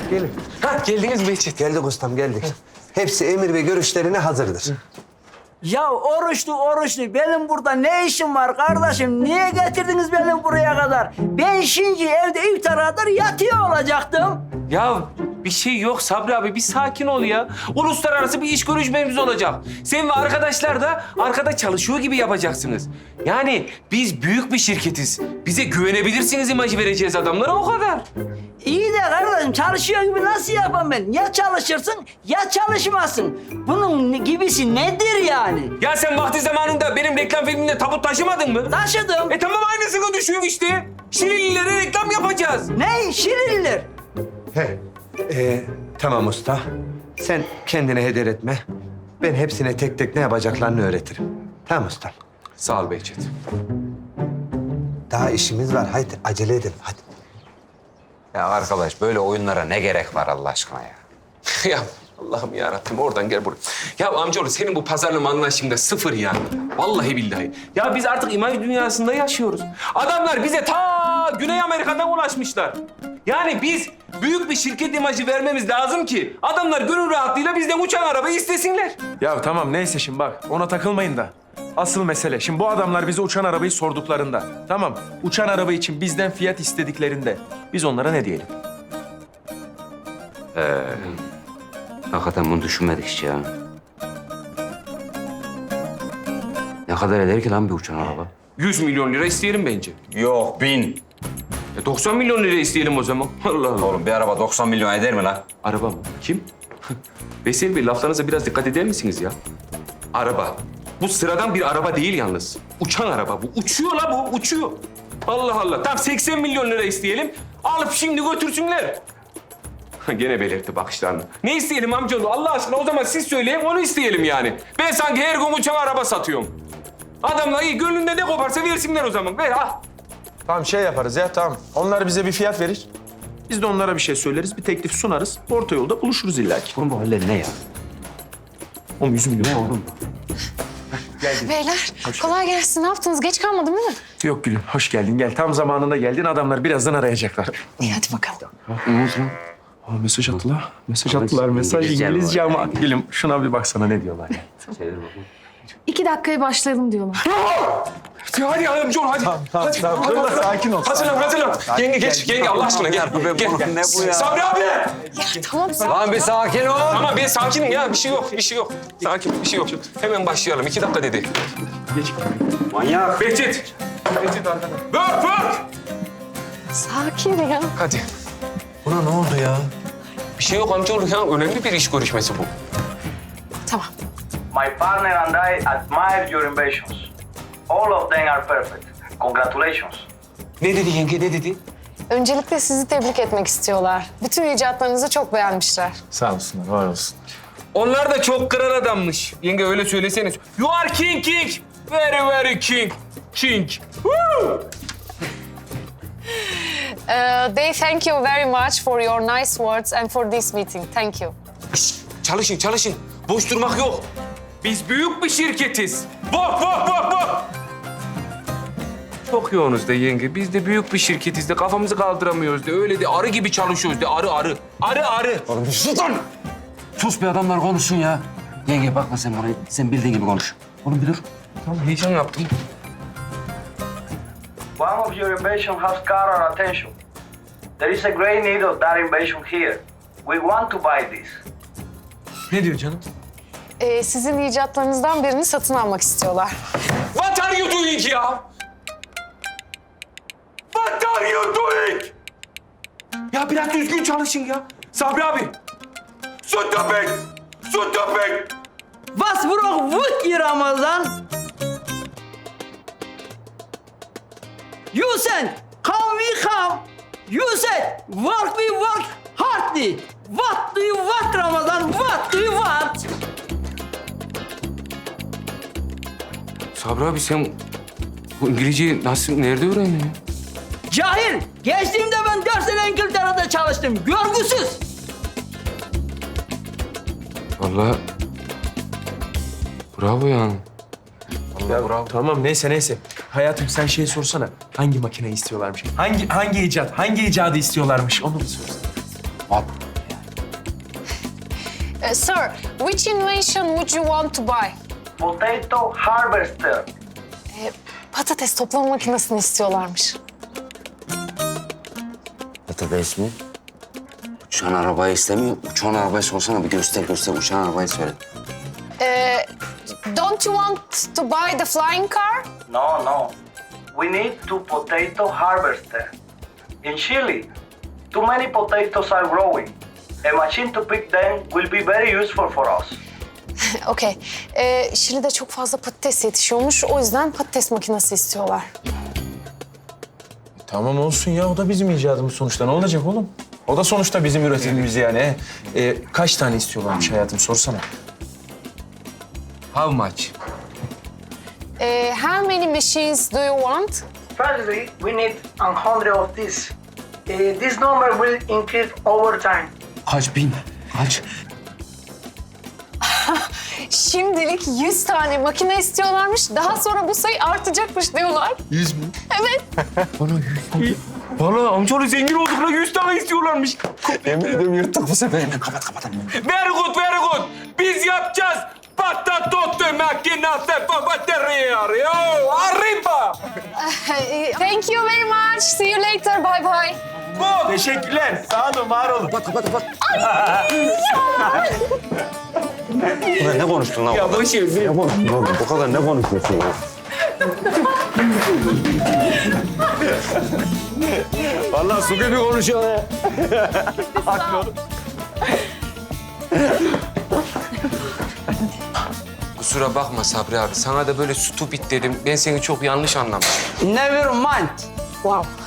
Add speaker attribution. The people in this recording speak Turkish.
Speaker 1: gelin.
Speaker 2: Ha geldiniz Behçet.
Speaker 1: Geldik ustam, geldik. Hepsi emir ve görüşlerine hazırdır.
Speaker 3: Ya oruçlu benim burada ne işim var kardeşim? Niye getirdiniz beni buraya kadar? Ben şimdi evde iftara kadar yatıyor olacaktım.
Speaker 2: Ya bir şey yok Sabri abi, bir sakin ol ya. Uluslararası bir iş görüşmemiz olacak. Sen ve arkadaşlar da arkada çalışıyor gibi yapacaksınız. Yani biz büyük bir şirketiz. Bize güvenebilirsiniz imajı vereceğiz adamlara, o kadar.
Speaker 3: İyi de kardeşim çalışıyor gibi nasıl yapayım ben? Ya çalışırsın ya çalışmazsın. Bunun gibisi nedir yani?
Speaker 2: Ya sen vakti zamanında benim reklam filminde tabut taşımadın mı?
Speaker 3: Taşıdım.
Speaker 2: Tamam, aynısını düşün işte. Şirinlilere reklam yapacağız.
Speaker 3: Ne? Şirinler.
Speaker 1: He. Tamam usta. Sen kendine heder etme. Ben hepsine tek tek ne yapacaklarını öğretirim. Tamam usta.
Speaker 2: Sağ ol Behçet.
Speaker 1: Daha işimiz var. Haydi acele edelim. Hadi.
Speaker 4: Ya arkadaş böyle oyunlara ne gerek var Allah aşkına ya?
Speaker 2: Ya Allah'ım yarabbim, oradan gel buraya. Ya amcaoğlu, senin bu pazarlama anlayışın da sıfır ya. Vallahi billahi. Ya biz artık imaj dünyasında yaşıyoruz. Adamlar bize ta Güney Amerika'dan ulaşmışlar. Yani biz büyük bir şirket imajı vermemiz lazım ki adamlar gönül rahatlığıyla bizden uçan arabayı istesinler.
Speaker 5: Ya tamam neyse şimdi bak ona takılmayın da. Asıl mesele şimdi bu adamlar bize uçan arabayı sorduklarında. Tamam uçan araba için bizden fiyat istediklerinde biz onlara ne diyelim?
Speaker 4: Hakikaten bunu düşünmedik hiç ya. Ne kadar eder ki lan bir uçan araba?
Speaker 2: 100 milyon lira isteyelim bence.
Speaker 4: Yok 1000.
Speaker 2: 90 milyon lira isteyelim o zaman. Allah Allah.
Speaker 4: Oğlum bir araba 90 milyon eder mi lan?
Speaker 2: Araba mı? Kim? Veysel Bey, laflarınıza biraz dikkat eder misiniz ya? Araba. Bu sıradan bir araba değil yalnız. Uçan araba bu. Uçuyor la bu, uçuyor. Allah Allah. Tamam 80 milyon lira isteyelim. Alıp şimdi götürsünler. Gene belirtti bakışlarını. Ne isteyelim amcaoğlu? Allah aşkına o zaman siz söyleyin, onu isteyelim yani. Ben sanki her gün uçan araba satıyorum. Adamlar iyi, gönlünde ne koparsa versinler o zaman. Ver al.
Speaker 5: Tamam şey yaparız ya tamam. Onlar bize bir fiyat verir. Biz de onlara bir şey söyleriz, bir teklif sunarız. Orta yolda buluşuruz illa ki.
Speaker 4: Oğlum bu haller ne ya?
Speaker 5: Oğlum 100 milyon.
Speaker 4: Ne oğlum?
Speaker 6: Beyler kolay gelsin. Ne yaptınız? Geç kalmadım değil mi?
Speaker 5: Yok Gülüm hoş geldin gel. Tam zamanında geldin. Adamlar birazdan arayacaklar.
Speaker 6: İyi hadi bakalım.
Speaker 5: Aa, mesaj attılar. Mesaj attılar. Mesaj
Speaker 4: İngilizce
Speaker 5: İngilizce
Speaker 4: var.
Speaker 5: ama Gülüm şuna bir baksana ne diyorlar ya.
Speaker 6: 2 dakikaya başlayalım diyorlar.
Speaker 2: Hadi amcaoğlu hadi. Hadi.
Speaker 5: Dur sakin ol.
Speaker 2: Hazırlan. Yenge geç. Yenge Allah aşkına gel. Gel.
Speaker 4: Ne bu ya?
Speaker 2: Sabri abi.
Speaker 6: Ya tamam sen.
Speaker 4: Lan bir sakin ol.
Speaker 2: Tamam ben sakinim ya. Bir şey yok. Sakin, bir şey yok. Hemen başlayalım. 2 dakika dedi.
Speaker 5: Geç.
Speaker 4: Manyak.
Speaker 2: Behçet. Behçet arkada. Bak.
Speaker 6: Sakin ya.
Speaker 2: Hadi.
Speaker 1: Buna ne oldu ya?
Speaker 2: Bir şey yok amcaoğlu ya. Önemli bir iş görüşmesi bu.
Speaker 6: Tamam.
Speaker 7: My partner and I admire your inventions. All of them are perfect. Congratulations.
Speaker 2: Ne dedi yenge, ne dedi?
Speaker 6: Öncelikle sizi tebrik etmek istiyorlar. Bütün icatlarınızı çok beğenmişler.
Speaker 5: Sağ olsunlar, var olsun.
Speaker 2: Onlar da çok kral adammış. Yenge öyle söyleseniz. You are king. Very very king. Woo!
Speaker 6: They thank you very much for your nice words and for this meeting. Thank you.
Speaker 2: Çalışın. Boş durmak yok. Biz büyük bir şirketiz. Bak. Çok yoğunuz de yenge. Biz de büyük bir şirketiz de kafamızı kaldıramıyoruz de. Öyle de arı gibi çalışıyoruz de. Arı.
Speaker 4: Oğlum sus lan. Sus bir adamlar konuşsun ya. Yenge bakma sen bana. Sen bildiğin gibi konuş. Oğlum bir dur.
Speaker 2: Tamam, heyecan yaptım.
Speaker 7: One of your inventions has caught our attention. There is a great need of that invention here. We want to buy this.
Speaker 2: Ne diyor canım?
Speaker 6: Sizin icatlarınızdan birini satın almak istiyorlar.
Speaker 2: What are you doing ya? What are you doing? Ya biraz düzgün çalışın ya. Sabri abi. Stop it.
Speaker 3: Was braucht Wut, Ramazan? You said, come we come. You said, work we work hardly. What do you want, Ramazan? What do you want?
Speaker 2: Sabri abi sen bu İngilizceyi nerede öğrendin ya?
Speaker 3: Cahil, geçtiğimde ben 4 sene İngiltere'de çalıştım. Görgüsüz.
Speaker 2: Vallahi bravo yani.
Speaker 5: Tamam neyse. Hayatım sen şey sorsana. Hangi makineyi istiyorlarmış? Hangi icadı istiyorlarmış? Onu bir sorsana.
Speaker 6: Sir, which invention would you want to buy?
Speaker 7: Potato harvester.
Speaker 6: Patates toplama makinesini istiyorlarmış.
Speaker 4: Patates mi? Uçan arabayı istemiyor. Uçan arabayı sorsana bir göster uçan arabayı söyle.
Speaker 6: Don't you want to buy the flying car?
Speaker 7: No, no. We need two potato harvester. In Chile, too many potatoes are growing. A machine to pick them will be very useful for us.
Speaker 6: Okey. Şili'de çok fazla patates yetişiyormuş. O yüzden patates makinesi istiyorlar.
Speaker 5: Tamam olsun ya. O da bizim icadımız sonuçta. Ne olacak oğlum? O da sonuçta bizim üretimimiz yani. Kaç tane istiyorlarmış hayatım? Sorsana.
Speaker 2: How much?
Speaker 6: How many machines do you want?
Speaker 8: Firstly, we need 100 of this. This number will increase over time.
Speaker 4: Kaç bin? Kaç?
Speaker 6: Şimdilik 100 tane makine istiyorlarmış. Daha sonra bu sayı artacakmış diyorlar.
Speaker 2: 100 mü?
Speaker 6: Evet.
Speaker 2: Valla amcaoğlu zengin olduk la 100 tane istiyorlarmış.
Speaker 4: Yemin ediyorum yırttık bu sefer. Kapat.
Speaker 2: Very good, very good. Biz yapacağız. Patatotte makinası batarya. Arriba.
Speaker 6: Thank you very much. See you later. Bye bye.
Speaker 2: Bu.
Speaker 5: Teşekkürler. Sağ olun, var olun.
Speaker 4: Kapat. Ulan ne konuştun lan?
Speaker 2: Ya boş ver.
Speaker 4: Ne konuştun oğlum? Bu kadar ne konuşuyorsun ya? Vallahi su gibi konuşuyor ya.
Speaker 2: Kusura bakma Sabri abi. Sana da böyle stupid dedim. Ben seni çok yanlış anlamışım.
Speaker 3: Never mind.
Speaker 6: Wow.